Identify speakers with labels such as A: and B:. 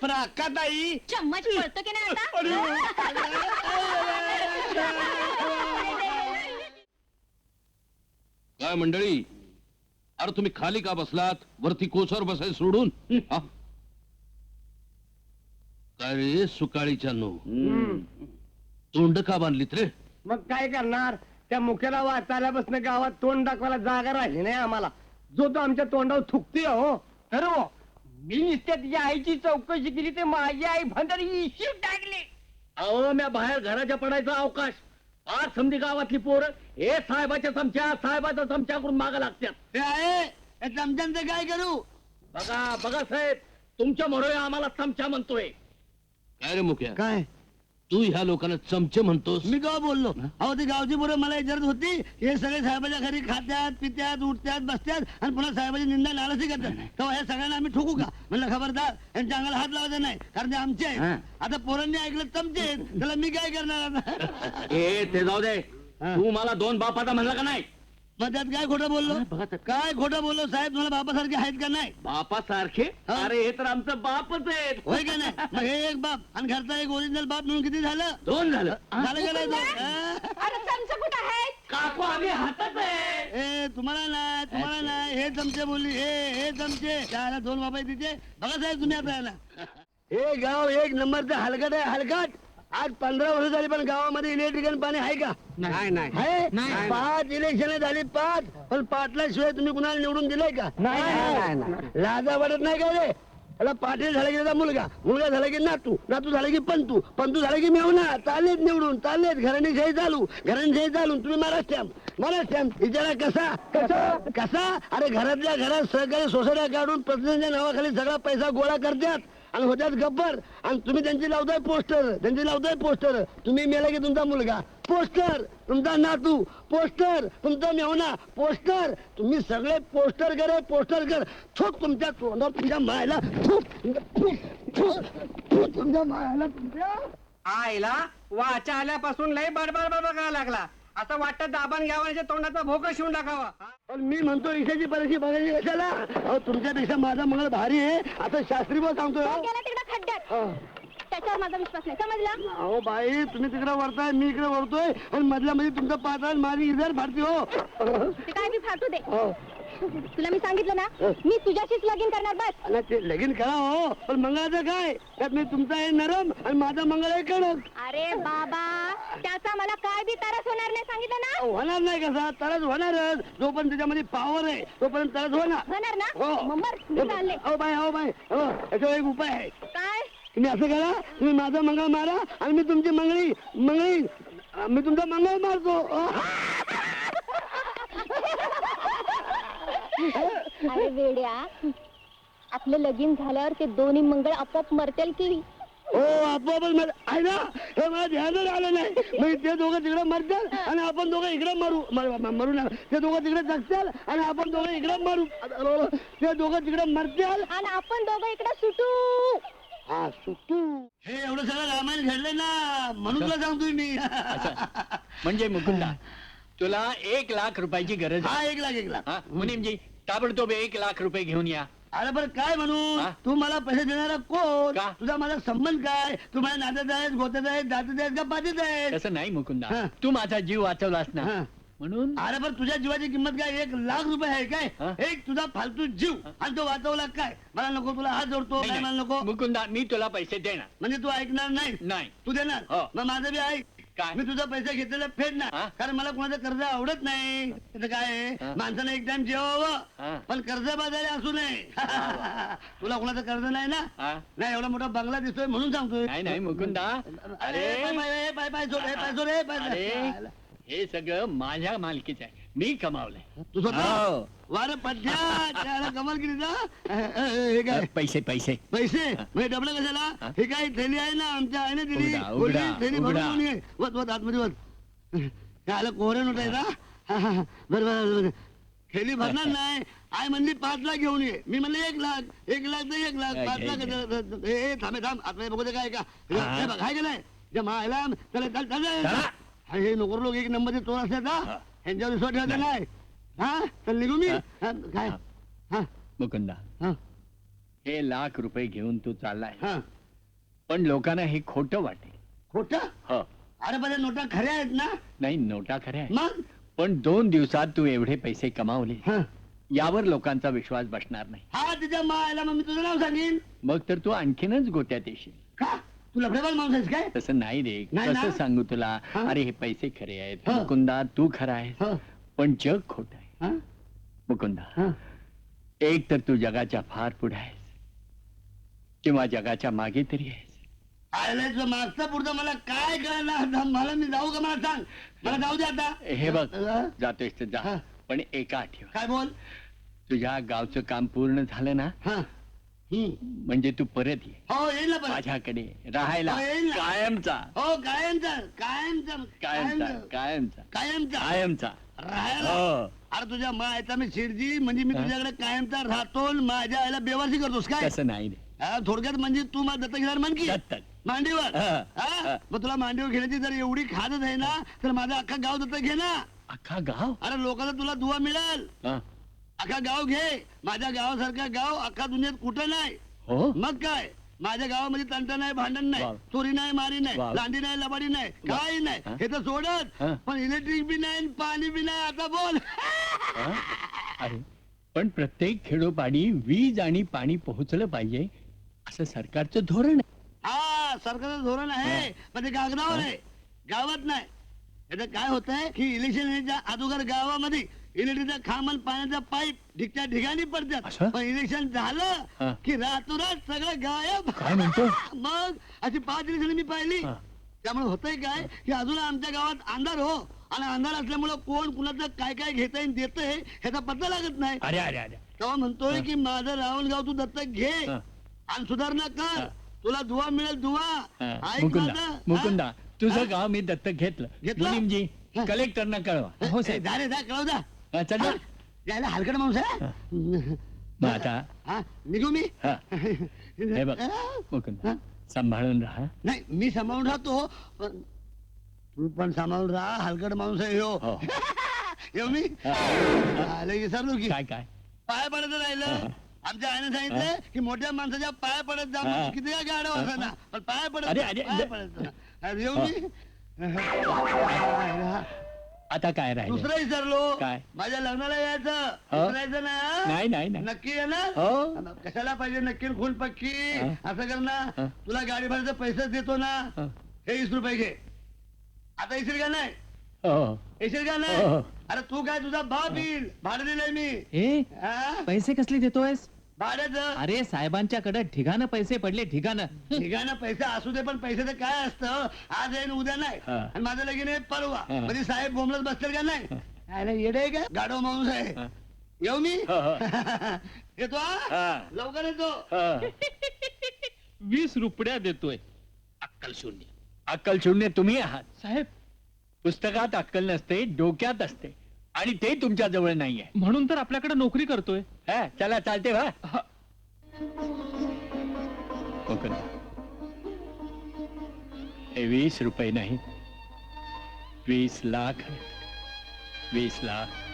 A: पण अक्काताई
B: चम्मच पळतो की नाही आता?
C: काय मंडळी, अरे तुम्ही खाली का बसलात? वरती कोसर बसाय सोडून हा? काय रे सुकाळीच्या नो तोंड का बांधलीत रे?
A: मग काय करणार? त्या मुख्याला वाचायलापासून गावात तोंड दाखवायला जागा राहिली नाही आम्हाला. जो तो आमच्या तोंडावर थुकतोय हो. खरं हो, मी नुसत्या तिच्या आईची चौकशी केली ते माझी आई भंडारी इश्यू टाकली. अहो म्या बाहेर घराच्या पडायचा अवकाश. आज समधी गावातली पोरं हे साहेबाच्या साहेबाच्या चमच्याकडून मागा लागतात. चमच्यांचं काय करू? बघा बघा साहेब, तुमच्या म्हणून आम्हाला चमचा म्हणतोय.
C: काय रे मुख्या,
A: काय
C: तू ह्या लोकांना चमचे म्हणतोस?
A: मी का बोललो? अहो ती गावची पोरं मला विचारत होती, हे सगळे साहेबाच्या घरी खात्यात पित्यात उठत्यात बसत्यात आणि पुन्हा साहेबाची निंदा नाराजी करतात. तेव्हा हे सगळ्यांना आम्ही ठोकू का? म्हणलं खबरदार, यांच्या अंगाला हात लावायचा नाही, कारण ते आमचे आहेत. आता पोरांनी ऐकलं चमचे आहेत, त्याला मी काय करणार आता?
D: ते जाऊ दे. तू मला दोन बापाचा म्हणला का नाही?
A: मग त्यात काय खोटं बोललो? काय खोटं बोललो साहेब? तुम्हाला बापासारखे आहेत का नाही?
D: बापासारखे?
A: हा.
D: अरे हे तर आमचं बापच आहे.
A: होय का नाही? मग हे एक बाप आणि घरचा एक ओरिजिनल बाप म्हणून किती झालं?
D: दोन झालं.
A: झालं का नाही दोन?
B: अरे चमचा कुठं आहे?
D: काकू आम्ही हातात आहे.
A: ए तुम्हाला नाही हे चमचे बोलली, हे चमचे. त्याला दोन बाबा आहे तिचे. बघा साहेब तुम्ही आता याला. हे गाव एक नंबरचं हलकट आहे, हलकट. आज 15 वर्ष झाली पण गावामध्ये इलेक्ट्रिकल पाणी आहे का?
D: नाही नाही
A: आहे? 5 इलेक्शन झाली, 5. पण पाटल्याशिवाय तुम्ही कुणाला निवडून दिलंय का? नाही. लाजा वाटत नाही का रे? त्याला पाटील झाला की त्याचा मुलगा झाला की नातू झाला की पंतू झाला की मेवना. चाललेत निवडून, चाललेत. घराणीशाही चालू. तुम्ही महाराष्ट्र विचारा कसा? अरे घरातल्या घरात सहकारी सोसायट्या काढून प्रतिनिधीच्या नावाखाली सगळा पैसा गोळा करतात आणि होत्यात गब्बर. आणि तुम्ही त्यांची लावताय पोस्टर. तुम्ही मेला की तुमचा मुलगा पोस्टर, तुमचा नातू पोस्टर, तुमचा मेवना पोस्टर. तुम्ही सगळे पोस्टर कर. थूक तुमच्या तोंडावर, तुमच्या मायला तुमच्या मायला तुमच्या
E: आईला वाचा आल्यापासून लय बडबड करायला लागला. असं वाटतं दाबण घ्यावाच्या तोंडाचा भोकं शिवून टाकावा.
A: पण मी म्हणतो ईशाची परीक्षा बघायची कशाला? अहो तुमच्यापेक्षा माझा मंगळ भारी आहे असं शास्त्री बोल सांगतोय.
B: तो गेला तिकडे खड्ड्यात. त्याच्यावर माझा विश्वास नाही, समजला?
A: अहो बाई, तुम्ही तिकडे वरताय, मी इकडे वरतोय आणि मधल्या मध्ये तुमचं पात्र माझी इधर फाडते हो.
B: ते काय बी फाटू दे. तुला मी सांगितलं ना, मी तुझ्याशीच लगीन करणार बस.
A: आणि ते लगीन करा हो, पण मंगळाचं काय? त्यात मी तुमचा आहे नरम आणि माझा मंगळ आहे कडक.
B: अरे बाबा, त्याचा मला काय बी त्रास होणार नाही, सांगितलं ना?
A: होणार नाही कसा? तरच होणारच. जोपर्यंत त्याच्यामध्ये पावर आहे तोपर्यंत तरच
B: होणार ना? मग बरं, मी चालले.
A: हो बाई, याच्यावर एक उपाय आहे.
B: काय?
A: तुम्ही असं करा, तुम्ही माझा मंगळ मारा आणि मी तुमची मंगळी मी तुमचा मंगळ मारतो.
B: अरे वेड्या, आपलं लगीन झाल्यावर ते दोन्ही मंगळ आपोआप मरतील की?
A: हो आपोआपच आहे ना. हे मला ध्यानच आलं नाही. मग ते दोघं तिकडे मरतात आणि आपण दोघं इकडे मरू ना. ते दोघं तिकडे जगतात आणि आपण दोघं इकडे मरू. ते दोघं तिकडे मरतात
B: आणि आपण दोघं इकडे सुटू.
A: हा सुटू. हे एवढं सगळं रामायण घडलंय ना, म्हणून तुला सांगतोय मी.
E: म्हणजे मुकुंदा, तुला 1 लाख रुपयाची गरज
A: हा
E: आहे.
A: 1 लाख.
E: मुनीमजी, ताबडतोब 1 लाख रुपये घेऊन या.
A: अरे बरं काय म्हणू?
E: हा?
A: तू मला पैसे देणारा कोण?
E: का?
A: तुझा माझा संबंध काय? तू माझ्या नात्यात आहेस, गोत्यात आहेस, दात्यात आहेस का पातीत आहेस?
E: तसं नाही मुकुंदा,
A: हा.
E: तू माझा जीव वाचवलास ना,
A: हा.
E: म्हणून.
A: अरे पण तुझ्या जीवाची किंमत काय? 1 लाख रुपये आहे काय?
E: हा?
A: एक तुझा फालतू जीव आणि तो वाचवला काय? मला नको, तुला हात जोडतो.
E: नाही,
A: काय मला
E: नाही.
A: नको?
E: मुकुंदा, मी तुला पैसे देणार
A: म्हणजे तू ऐकणार नाही?
E: नाही.
A: तू देणार?
E: हो.
A: मग माझं बी ऐक.
E: काय?
A: मी तुझा पैसे घेतलेला फेडणार,
E: हा?
A: कारण मला कोणाचं कर्ज आवडत नाही. त्याचं काय आहे?
E: हा?
A: माणसानं एक टाइम
E: हा.
A: जेवावं, पण कर्ज बाजारी असू नये. तुला कोणाचं कर्ज नाही ना?
E: हा?
A: नाही, एवढा मोठा बंगला दिसतोय म्हणून सांगतोय.
E: नाही नाही मुकुंदा,
A: अरे पाय सोड.
E: अरे हे सगळं माझ्या मालकीचं आहे, मी कमावलंय.
A: तू स्वतः वार पठ्या त्याला कमाल केली ना. हे काय
E: पैसे
A: पैसे म्हणजे डबल कशाला? हे काय थैली आहे ना, आमच्या आहे ना दिली.
E: उघडा,
A: बोलली,
E: उघडा,
A: थैली
E: उघडा.
A: भरून ये. वत आतमध्ये वत. आलं कोहरे नोट आहे ना. बरोबर. थैली भरणार नाही. आई म्हणली 5 लाख घेऊन ये. मी म्हणलं 1 लाख. 1 लाख तर 1 लाख. 5 लाख. हे थांब आतमध्ये बघू दे काय का. हे बघ, हाय का नाही? मायला चला हे नोकर लोक 1 नंबरचे चोर असतात ना, ह्यांच्यावर विश्वास ठेवायचा नाही. हा तर निघू मी. काय? हा
E: मुकुंदा,
A: हा
F: हे लाख रुपये घेऊन तू चाललाय
A: हा
F: पण लोकांना हे खोटं वाटेल.
A: खोट
F: हो
A: अरे बरे नोटा खऱ्या आहेत ना
F: नाही नोटा खऱ्या आहे.
A: मग
F: पण 2 दिवसात तू एवढे पैसे कमावले
A: हा
F: यावर लोकांचा विश्वास बसणार नाही.
A: हा तिच्या मायला मग मी तुझं नाव सांगेन
F: मग तर तू आणखीनच गोत्यात येशील.
A: का तू लफडेबाज माणूस आहेस काय
F: तसं नाही रे.
A: नाही ना?
F: कसं सांगू तुला.
A: हा?
F: अरे हे पैसे खरे आहेत
A: हा.
F: मुकुंदा तू खरा आहेस
A: हा
F: पण जग खोट आहे.
A: हा
F: मुकुंदा
A: हा
F: एक तर तू जगाच्या फार पुढे आहेस किंवा जगाच्या मागे तरी आहेस.
A: आयला तुझं मागचं पुढचं मला काय कळणार आता? मला मी जाऊ का मला सांग मला जाऊ दे आता
F: हे बघ
A: हा?
F: जातोयस तर जा
A: हा.
F: पण एका आठवण
A: काय बोल
F: तुझ्या गावचं काम पूर्ण झालं ना
A: हा
F: म्हणजे तू परत ये
A: हो येईल ना पण
F: माझ्याकडे राहायला
A: हो, येईल ना.
F: कायमचा
A: हो कायमचा कायमचा
F: कायमचा
A: कायमचा
F: कायमचा
A: कायमचा
F: कायमचा
A: राहायला
F: हो
A: अरे तुझ्या मायचा मी शिरजी म्हणजे मी तुझ्याकडे कायमचा राहतो आणि माझ्या आईला बेवासी करतोस काय
F: तसं नाही रे
A: हा, थोडक्यात म्हणजे तू मला दत्तक घेणार म्हण की
F: दत्तक.
A: मांडीवर
F: हा,
A: हा?
F: हा.
A: मग तुला मांडीवर घेण्याची जर एवढी खातच आहे ना तर माझं अख्खा गाव दत्तक घे ना
F: अख्खा गाव
A: अरे लोकांना तुला दुवा मिळेल
F: हा.
A: अख्खा गाव घे माझ्या गावासारखा गाव अख्खा दुनियेत कुठं नाही
F: हो
A: मग काय माझ्या गावामध्ये तंटा नाही भांडण नाही
F: वाव.
A: चोरी नाही मारी नाही
F: वाव.
A: लांडी नाही लबाडी नाही काही नाही
F: हा?
A: हे तर सोडत
F: हा.
A: पण इलेक्ट्रिक बी नाही आणि पाणी बी नाही आता बोल
F: हा? अरे पण प्रत्येक खेडोपाडी वीज आणि पाणी पोहोचलं पाहिजे असं सरकारचं धोरण आहे.
A: हा सरकारचं धोरण आहे पण ते कागदावर आहे गावात नाही याचं काय होत आहे की इलेक्शन याच्या अगोदर गावामध्ये इलेक्ट्रिकचा खांब आणि पाण्याचा पाईप ठिकच्या ठिकाणी पडतात
F: असं?
A: पण इलेक्शन
F: हा.
A: झालं की रातोरात सगळं गायब
F: काय म्हणतो?
A: मग अशी 5 इलेक्शन मी पाहिली
F: हा.
A: त्यामुळे होतंय काय की अजून आमच्या गावात अंधार हो आणि अंधार असल्यामुळे कोण कुणाचं काय काय घेता येईल देतंय ह्याचा पत्ता लागत नाही
F: अरे अरे अरे
A: तेव्हा म्हणतोय की माझं राहुल गाव तू दत्तक घे
F: हा.
A: आणि सुधारणा कर
F: हा.
A: तुला दुवा मिळेल दुवा
F: हा.
A: ऐक
F: मुकुंदा
A: माझं.
F: मुकुंदा
A: हा?
F: तुझं गाव मी दत्तक घेतलं
A: घेतलं?
F: मुनीमजी
A: हा.
F: कलेक्टरना कळवा
A: हो साहेब जा रे जा कळव जा
F: हा, चल ना.
A: हा? यायला हलकट माणूस आहे
F: मग आता
A: हा निघू मी
F: हा. हे बघ
A: हा?
F: मुकुंदा सांभाळून राहा.
A: नाही मी सांभाळून राहतो पण तू पण सांभाळून राहा हलकट माणूस आहे
F: हो.
A: हो येऊ मी आले विसरलो की
F: काय काय
A: पाय पडत राहिलं आमच्या आईने सांगितलं की मोठ्या माणसाच्या पाय पडत जा
F: हा.
A: किती काय गाडव असताना पण पाय पडत
F: अरे,
A: जा,
F: अरे,
A: पाय
F: अरे.
A: पडत जा. अरे, येऊ मी
F: आता काय राहिलं
A: दुसरं विसरलो
F: काय?
A: माझ्या लग्नाला यायचं
F: हो?
A: विसरायचं नाही हा?
F: नाही नाही नाही
A: नक्की येणार
F: हो
A: कशाला पाहिजे नक्की खून पक्की
F: हा.
A: असं कर ना
F: हा.
A: तुला गाडी भाड्याचे पैसे देतो ना
F: हा.
A: हे 20 रुपये घे आता येशील का नाही
F: हो
A: येशील का
F: हो.
A: नाही अरे तू काय तुझा बाप येईल भाडं दिलंय मी
G: ए
A: हा?
G: पैसे कसले देतोयस
A: भाड्याचं
G: अरे साहेबांच्याकडे ठिकाणं पैसे पडले ठिकाणं
A: ठिकाणं पैसा असू दे पण पैसे तर काय असतं आज येईन उद्या नाही
F: हा.
A: आणि माझं लगीन आहे परवा
F: हा.
A: म्हणजे साहेब बोंबलत बसतील का नाही अरे येडे आहे का गाडो माणूस आहे
F: हा.
A: येऊ मी
F: हो, हो.
A: येतो हा?
F: हा.
A: लवकर येतो
F: हा.
D: 20 रुपया देतोय अक्कल शून्य.
F: अक्कल शून्य तुम्ही आहात
D: साहेब
F: पुस्तकात अक्कल नसते डोक्यात असते आणि ते तुमच्या जवळ नाहीये.
D: म्हणून तर आपल्याकडे नोकरी करतोय.
F: हा, चला चालते वा
D: हा.
F: मुकुंद, हे 20 रुपये नाही 20 लाख आहेत. 20 लाख